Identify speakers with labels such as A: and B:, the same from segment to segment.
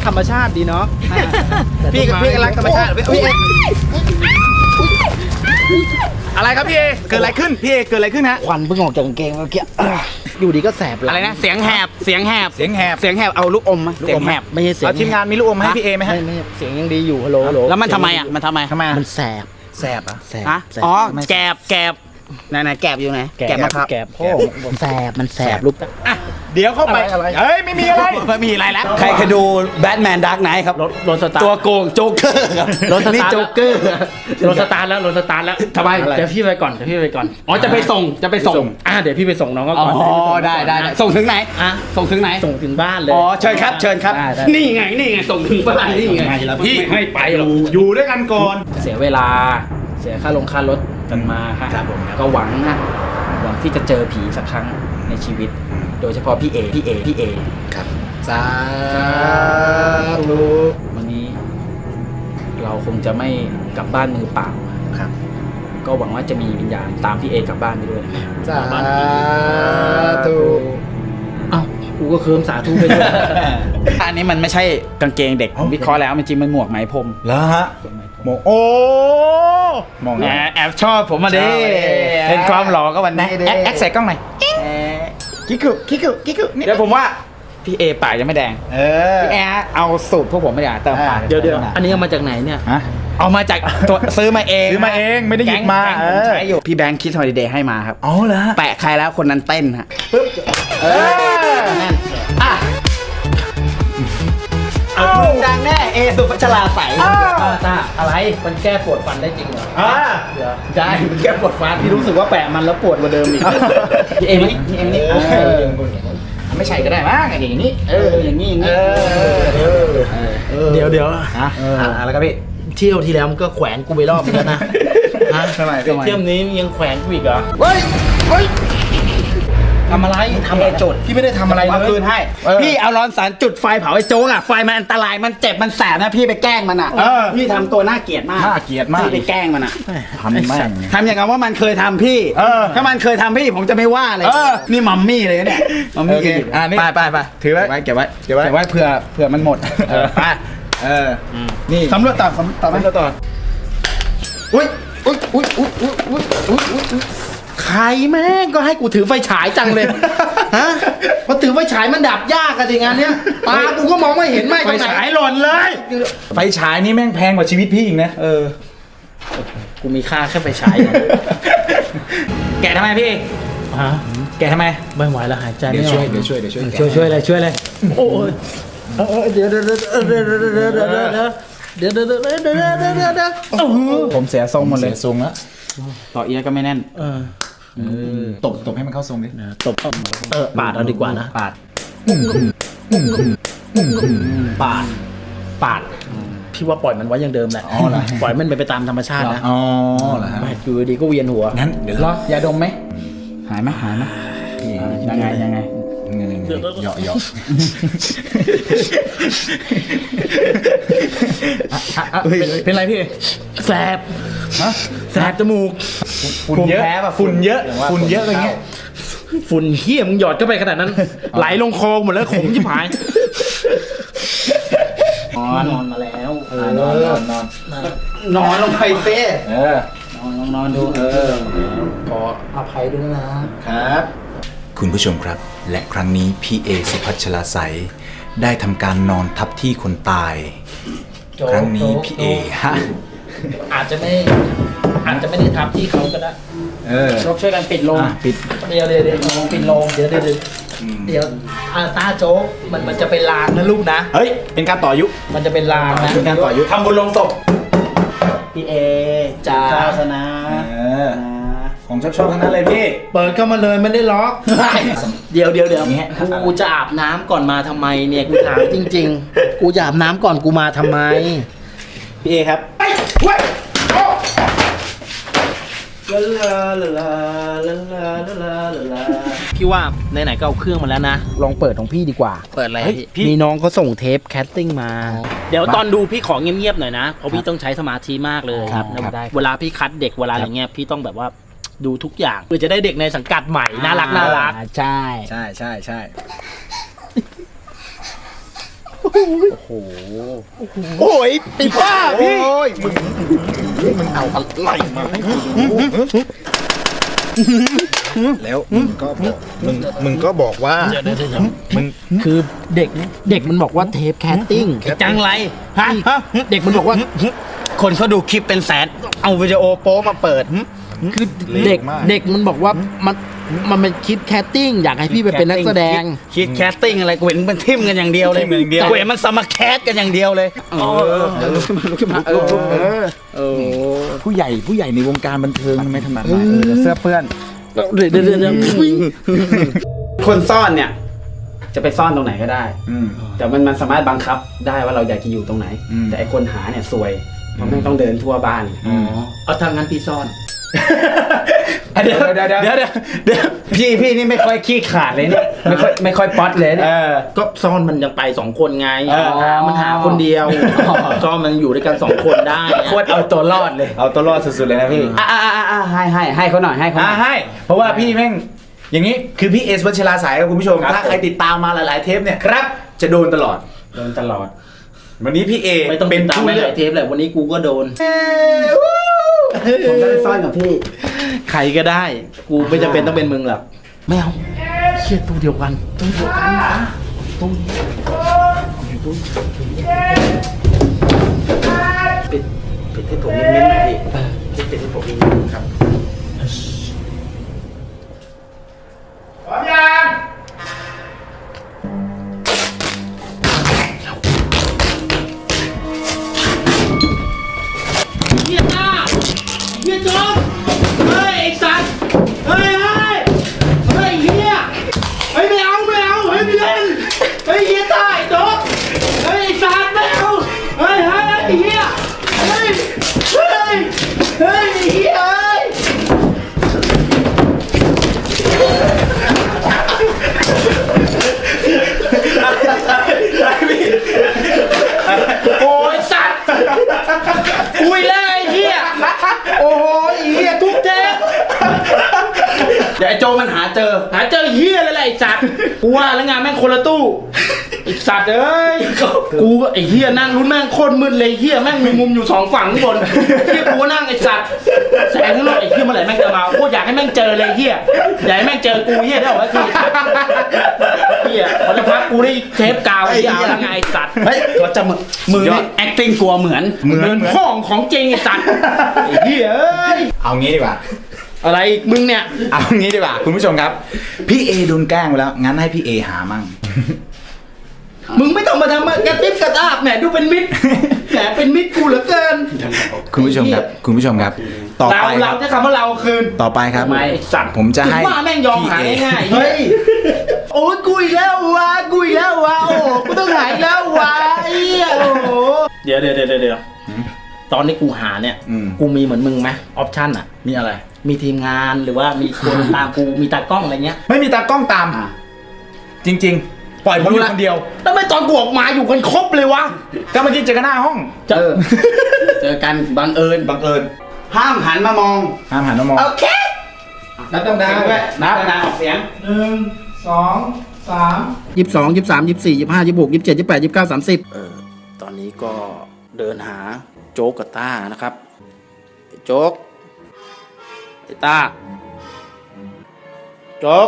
A: ธรรมชาติดีเนาะพี่ก็รักธรรมชาติพี่อะไรครับพี่เอเกิดอะไรขึ้นพี่เอเกิดอะไรขึ้นฮะ
B: ควันเพิ่งออกจากกางเกงเมื่อกี้อยู่ดีก็แสบหลัง
A: อะไรนะเสียงแหบเอาลูกอมมาเสียงแหบ
B: ไม่ใช่เสียง
A: ทีมงานมีลูกอมให้พี่เอไหมฮะ
B: ไม่เสียงยังดีอยู่ฮัลโหล
A: แล้วมันทำไมอ่ะมันทำไม
B: มันแสบ
A: แสบอ่ะ
B: แสบ
A: ฮะอ๋อแกบไหนแกบอยู่ไหนแกบมะพร้าว
B: แกบพ่อแสบมันแสบลูก
A: เดี๋ยวเข้าไปเฮ้ยไม่มีอะไรแล้ว
C: ใครเคยดูแบทแมนดาร์กไนท์ครับ
B: รถสตาร์ท
C: ตัวโกงโจ๊กเกอร์ครับ
B: รถส
C: นี่
B: ตาร์ท
C: โจ๊กเกอร์
B: รถสตาร์ทแล้วทำไมเดี๋ยวพี่ไปก่อนอ๋อจะไปส่งเดี๋ยวพี่ไปส่งน้องก็
C: อ๋อ
B: ก่อน
C: ได้ส่งถึงไหน
B: อ่ะ
C: ส่งถึงไหน
B: ส่งถึงบ้านเลย
C: อ๋อเชิญครับ
B: ได้
C: นี่ไงส่งถึงบ้านนี่ไง
B: พี่ไม่ไปหรอก
A: อยู่ด้วยกันก่อน
B: เสียเวลาเสียค่ารถกันมาค่ะ
A: ครับผม
B: ก็หวังที่จะเจอผีสักครั้งในชีวิต โดยเฉพาะพี่เอ
A: ครับสาธุ
B: วันนี้ เราคงจะไม่กลับบ้านมือเปล่า
A: ครับ
B: ก็หวังว่าจะมีวิญญาณตามพี่เอกลับบ้านไปด้วยนะครับ
A: สาธุ
B: เอ้ากูก็เคิมสาธุไปด้วย
C: อันนี้มันไม่ใช่กางเกงเด็กผมวิเคราะห์แล้วมันจริงมันหมวกไหมพรม
A: แล้วฮะมองโอ้มอง
C: แหมแอบชอบผมมาดิเป็นความหล่อก็วันนี้แอคใส่กล้องหน่อยกิ๊กกุเดี๋ยวผมว่าพี่เอปากยังไม่แดง พี่แอร์เอาสูตรพวกผมไม่ได้เติมปาก
B: เดี๋ยวอันนี้เอามาจากไหนเนี่ย
C: ฮะเอามาจากตัวซื้อมาเอง
A: ไม่ได้หยิบมา
C: แก๊งผมใช้อยู่พี่แบงค์คิดฮอลิเดย์ให้มาครับ
A: อ๋อเหรอ
C: แปะใครแล้วคนนั้นเต้นฮะ
B: นั่น
C: อ่ะเอาดังแน่เอสุพัชราใส
B: ตาอะไรมันแก้ปวดฟันได้จริงเหรอ
A: เดี๋ยว
B: ได้มันแก้ปวดฟันพี่รู้สึกว่าแปะมันแล้วปวดกว่าเดิมอีกพี่เอ็มนี่ไม่ใช่ก็ได้มั้งอย่างนี้อย่างนี้เดี๋ยว
A: อะไรครับพี่
B: เที่ยวที่แล้วมันก็แขวนกูไปรอบนึงแล้วนะ
A: ทำไม
B: เที่ยวนี้ยังแขวนกูอีกเหรอ
A: เฮ้ย
B: ทำอะไรจด
A: พี่ไม่ได้ทำอะไรเลย
C: คืนให้พี่เอาร้อนสารจุดไฟเผาไอ้โจ๊กอ่ะไฟมันอันตรายมันเจ็บมันแสบนะพี่ไปแกล้งมันอ่ะพี่ทำตัวน่าเกลียดมาก
A: น่าเกลียดมาก
C: พี่ไปแกล้งมันอ่ะ
A: ทำแม่ง
C: ทำอย่างกับว่ามันเคยทำพี่ถ้ามันเคยทำพี่ผมจะไม่ว่าเลยนี่มัมมี่เลยเนี่ยมัมมี่
A: นี่ไปถือไว้เก็บไว้เผื่อมันหมดไปนี่สำรวจต่ออุ้ย
B: ใครแม่งก็ให้กูถือไฟฉายจังเลยฮะพอถือไฟฉายมันดับยากอะสิงานเนี้ยตากูก็มองไม่เห็นไหม
A: ไฟฉายหล่นเลยไฟฉายนี่แม่งแพงกว่าชีวิตพี่อีกนะ
B: กูมีค่าแค่ไฟฉาย
C: แกะทำไมพี่
B: ฮะ
C: แกะทำไม
B: ไม่ไหวแล้วหายใจไม่ออก
A: ช่วย
B: เลยโอ้ยเดี๋ยว
A: ผมเสียทรงหมดเลยทรงแล้ว
C: ต่อเอียก็ไม่แน่น
A: ตบให้มันเข้าทรงดิ
B: ตบปาดเอาดีกว่านะ
C: ปาด
B: พี่ว่าปล่อยมันไว้อย่างเดิมแหละปล่อยมันไปตามธรรมชาตินะ
A: เหรอฮะ
B: อยู่ดีก็เวียนหัว
A: งั้นเดี๋ยว
C: รอยาดมไหมหายไหมยังไง
A: เหยาะเป็นไรพี่
B: แสบจมูก
A: ฝุ่นเยอะอะไรเงี้ย
B: ฝุ่นเหี้ยมึงหยอดเข้าไปขนาดนั้นไหลลงคอหมดแล้วขมชิบหายนอนมาแล้ว
C: นอนลงไปเซ่
B: นอนดูขออภัยด้วยนะครับ
D: คุณผู้ชมครับและครั้งนี้พี่เอสุพัชราใสได้ทำการนอนทับที่คนตายครั้งนี้พี่เอฮะ
B: อาจจะไม่ได้ทับที่เขาก็ได้ช่วยกันปิดโรง
C: ปิด
B: เดี๋ยวปิดโรงเดี๋ยวตาโจ๊กมันจะเป็นลางนะลูกนะ
C: เฮ้ยเป็นการต่ออายุ
B: มันจะเป็นลางนะ
C: เป็นการต่ออายุทำบุญลงศพ
B: พี่เอจ้าศาสนา
A: ของชอบทั้งนั้นเลยพี่
B: เปิดเข้ามาเลยไม่ได้ล็อกเดี๋ยวกูจะอาบน้ำก่อนมาทำไมเนี่ยกูถามจริงๆกูจะอาบน้ำก่อนกูมาทำไม
C: พี่เอครับ
B: พี่ว่าไหนๆก็เอาเครื่องมาแล้วนะลองเปิดของพี่ดีกว่าเปิดอะไรพี่มีน้องเขาส่งเทปแคสติ้งมาเดี๋ยวตอนดูพี่ขอเงียบๆหน่อยนะเพราะพี่ต้องใช้สมาธิมากเลยเวลาพี่คัดเด็กเวลาอะไรเงี้ยพี่ต้องแบบว่าดูทุกอย่างเพื่อจะได้เด็กในสังกัดใหม่น่ารัก
A: ใช่โอ้ยไอ้บ้าพี่โอ้ยมึงเอาอะไรมาให้กูแล้วมึงก็บอกว่ามึง
B: คือเด็กมันบอกว่าเทปแคสติ้งจังไรฮะเด็กมันบอกว่า
A: คนเขาดูคลิปเป็นแสนเอาวิดีโอโป๊มาเปิด
B: คือเด็กมันบอกว่ามันเป็นคลิปแคสติ้งอยากให้พี่ไปเป็นนักแสดง
A: คิดแคสติ้งอะไรกูเห็นมันทิมกันอย่างเดียวเลยกูเห็นมันสมัครแคสกันอย่างเดียวเลยลุกขึ้นมา
C: ผู้ใหญ่ในวงการบันเทิงทำไมทำแบบนั้นเสื้อเปื้อน
B: เดี๋ยว
A: คนซ่อนเนี่ยจะไปซ่อนตรงไหนก็ได้แต่มันสามารถบังคับได้ว่าเราอยากจะอยู่ตรงไหนแต่ไอคนหาเนี่ยซวยเพราะไม่ต้องเดินทั่วบ้าน
B: เอาทางนั้นพี่ซ่อน
A: เดี๋ยวพี่นี่ไม่ค่อยขี้ขาดเลยเนี่ยไม่ค่อยป๊อตเลยเนี่ย
B: ก็ซ่อนมันยังไป2 คนไงมันหาคนเดียวซ่อนมันอยู่ด้วยกัน2 คนได้
A: โคตรเอาตัวรอดเลยเอาตัวรอดสุดๆเลยนะพี่ให้เขาหน่อยให้เพราะว่าพี่แม่งอย่างนี้คือพี่เอสวัชราสายครับคุณผู้ชมถ้าใครติดตามมาหลายๆเทปเนี่ยครับจะโดนตลอดวันนี้พี่เอ
B: ไม่ต้องเป็นตามไม่หลายเทปแหละวันนี้กูก็โดนผมจะไปซ่อนกับพี่ใครก็ได้กูไม่จำเป็นต้องเป็นมึงหรอกไม่เอาเชี่ยตู้เดียวกันตู้ปิดให้ผมเงียบๆหน่อยพี่ปิดให้ผมเงียบๆครับ
A: พร้อมยัง
B: เฮียตาเฮียโจ๊กเฮ้ยไอ้สัตว์เฮ้ยเฮียเฮ้ยไม่เอาเฮ้ยไม่เล่นเฮ้ยเฮียตาไอ้โจ๊กเฮ้ยไอ้สัตว์ไม่เอาเฮ้ยเฮียเฮ้ยเฮียโอ้ยสัตว์คุยแล้วไอ้เหี้ยโอ้ยเหี้ยทุกเทปเดี๋ยวไอ้โจมันหาเจอเหี้ยอะไรไอ้สัตว์กูว่าแล้วงานแม่งคนละตู้ไอ้สัตว์เอ้ยกูก็ไอ้เหี้ยนั่งรุ่นแม่งโคตรมืดเลยเหี้ยแม่งมีมุมอยู่2 ฝั่งข้างบนเหี้ยกูนั่งไอ้สัตว์แสงข้างนอกไอ้เหี้ยเมื่อไหร่แม่งจะมาโคตรอยากให้แม่งเจอเลยเหี้ยอยากให้แม่งเจอกูเหี้ยได้หรอวะทีเหี้ยเขาจะพักกูได้เทปกาวไอ้เหี้ยแล้วไงไอ้สัตว์เฮ้ยเขาจะมือ acting กลัวเหมือนห้องของจริงไอ้สัตว์ไอ้เหี้ยเอ้ย
C: เอางี้ดีกว่า
B: อะไรมึงเนี่ย
C: เอางี้ดีกว่าคุณผู้ชมครับพี่เอโดนแกล้งไปแล้วงั้นให้พี่เอหามั่ง
B: มึงไม่ต้องมาทำกระติบกระตาบแหมดูเป็นมิตรแหมเป็นมิตรกูเหลือเกิน
C: คุณผู้ชมครับต่อไป
B: เราจะคำว่าเราคืน
C: ต่อไปครับผมจะให้
B: ว่าแม่งยอมหายง่ายเฮ้ยโอ้ยกุยแล้ววะโอ้กูต้องหายแล้ววะไอ้โอ้เดี๋ยวตอนนี้กูหาเนี่ยกูมีเหมือนมึงไหมออปชั่นอ่ะ
C: มีอะไร
B: มีทีมงานหรือว่ามีคนตามกูมีตากล้องอะไรเงี้ย
C: ไม่มีตากล้องตามจริงๆปล่อยผมอยู่คนเดียว
B: แล้วไม่ตอนกูออกมาอยู่กันครบเลยวะ
C: ก็เมื่อกี้เจอกันหน้าห้อง
B: เจอกันบังเอิญห้ามหันมามองโอเคนับดังๆด้วยนับดังๆออกเสียง1 2 3 22 23 24 25 26 27 28 29 30ตอนนี้ก็เดินหาโจ๊กกับต้านะครับโจ๊กไอ้ต้าโจ๊ก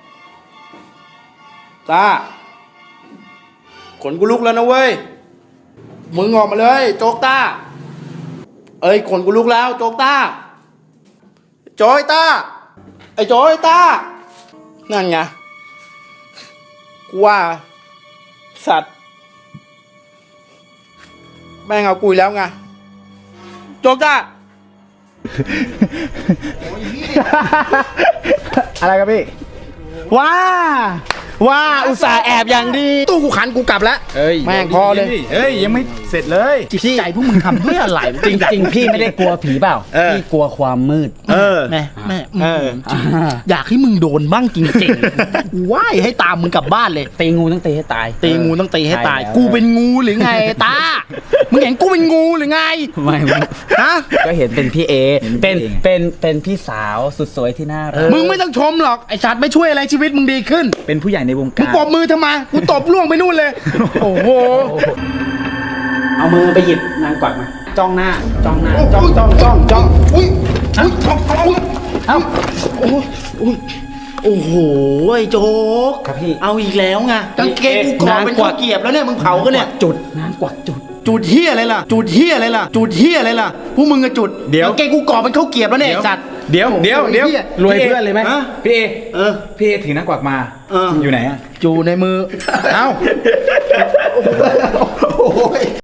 B: ต้าขนกูลุกแล้วนะเว้ยมึงออกมาเลยโจ๊กต้าเอ้ยขนกูลุกแล้วโจ๊กต้าโจ๊ยต้าไอ้โจ๊ยต้านั่นไงกูว่าสัตว์แม่งเอากุยแล้วไงโจ๊กต้า
C: อะไรครับพี่
B: ว่าอุตส่าห์แอบอย่างดีตู้กูขันกูกลับแล้วแม่งพอเลย
C: ยังไม่เสร็จเลย
B: จิตใจพวกมึงทำด้วยอะไร
A: จริงพี่ไม่ได้กลัวผีเปล่าพี่กลัวความมืด
B: แม่อยากให้มึงโดนบ้างจริงๆว่ายให้ตามมึงกลับบ้านเลย
A: ตีงูต้องตีให้ตาย
B: กูเป็นงูหรือไงตามึงเห็นกูเป็นงูหรือไง
A: ไม่ฮะก็เห็นเป็นพี่เอเป็นพี่สาวสุดสวยที่น่ารัก
B: มึงไม่ต้องชมหรอกไอ้ชัดไม่ช่วยอะไรชีวิตมึงดีขึ้น
C: เป็นผู้ใหญ่ใน
A: วง
C: มึง
A: การ
C: ปอบมือทำไมกูตบล่วงไปนู่นเลย โอ้โห
B: เอามือไปหยิบนางกวักมาจ้องหน้าจ้องหน้าจ้อง
C: อุ้ยท้องอุ้ย
B: เอ้าโอ้โหไอ้โจ๊ก
A: ครับพี่
B: เอาอีกแล้วไง
C: กางเกงกูกรอบเป็นข้าวเกรียบแล้วเนี่ยมึงเผากันเนี่ย
B: จุดนางกวักจุด
C: จุดเฮียอะไรล่ะ จุดเฮียอะไรล่ะ จุดเฮียอะไรล่ะพวกมึงอะจุด
A: เดี๋ยว
C: กางเกงกูกรอบเป็นข้าวเกรียบแล้วเนี่ยไอ้สัตว์
A: เดี๋ยว
C: รวยเพื่อนเลยไหม
A: พี่เอ
C: เออ
A: พี่เอถือนักกวักมา
C: เออ
A: อยู่ไหนอะ
C: อยู่ในมือ เอ้า